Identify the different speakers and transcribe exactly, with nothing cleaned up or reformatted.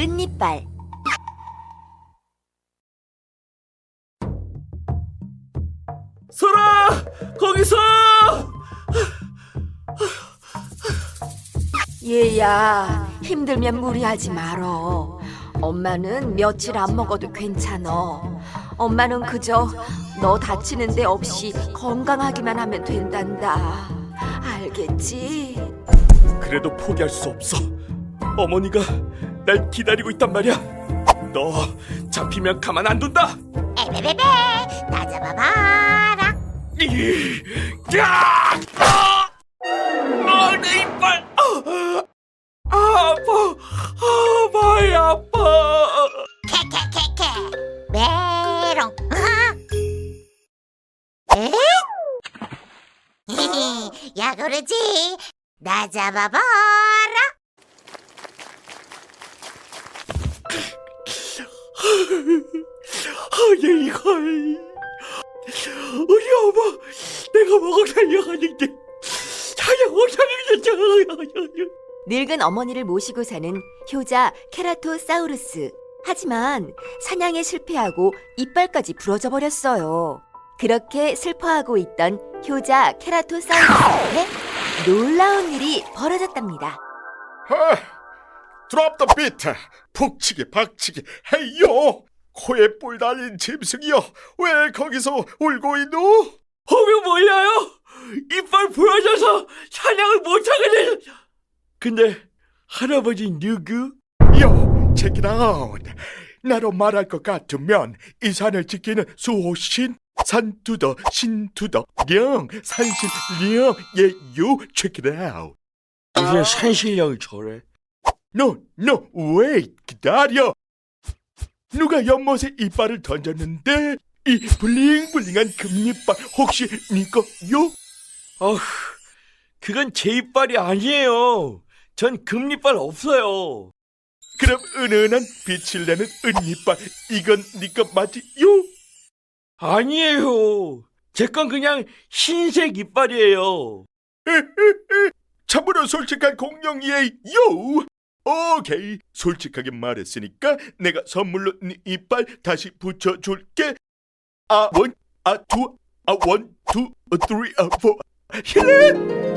Speaker 1: 끝니빨.
Speaker 2: 설아! 거기서!
Speaker 1: 얘야, 힘들면 무리하지 말어. 엄마는 며칠 안 먹어도 괜찮어. 엄마는 그저 너 다치는 데 없이 건강하기만 하면 된단다. 알겠지?
Speaker 2: 그래도 포기할 수 없어. 어머니가 날 기다리고 있단 말이야. 너 잡히면 가만 안 둔다.
Speaker 3: 에베베베, 나 잡아봐라.
Speaker 2: 이, 야! 아! 아, 내 이빨! 아, 아, 아파! 아, 많이 아파!
Speaker 3: 캐캐캐캐, 메롱. 아! 에? 야, 그러지. 나 잡아봐라.
Speaker 2: 아, 내 이걸! 우리 어머, 내가 먹어 살려가는데 사냥 못하는데.
Speaker 1: 늙은 어머니를 모시고 사는 효자 케라토사우루스. 하지만 사냥에 실패하고 이빨까지 부러져 버렸어요. 그렇게 슬퍼하고 있던 효자 케라토사우루스한테 놀라운 일이 벌어졌답니다.
Speaker 4: 아, 드롭 더 비트. 북치기 박치기 헤이요. 코에 뿔 달린 짐승이여, 왜 거기서 울고 있노?
Speaker 2: 허면 몰라요? 이빨 부러져서 사냥을 못하게 돼서. 근데 할아버지 누구?
Speaker 4: 요, check it out. 나로 말할 것 같으면 이 산을 지키는 수호신 산투더 신투더 령 산신 령 예유, check it out.
Speaker 2: 이제 산신령이 저래.
Speaker 4: No, no, wait, 기다려. 누가 연못에 이빨을 던졌는데 이 블링블링한 금이빨 혹시 네 거요?
Speaker 2: 어휴, 그건 제 이빨이 아니에요. 전 금리빨 없어요.
Speaker 4: 그럼 은은한 빛을 내는 은이빨, 이건 네 거 맞지요?
Speaker 2: 아니에요. 제 건 그냥 흰색 이빨이에요.
Speaker 4: 참으로 솔직한 공룡이에요. 오케이, 솔직하게 말했으니까 내가 선물로 네 이빨 다시 붙여줄게. 아, 원, 아, 투, 아, 원, 투, 쓰리, 아, 포. 힐렛!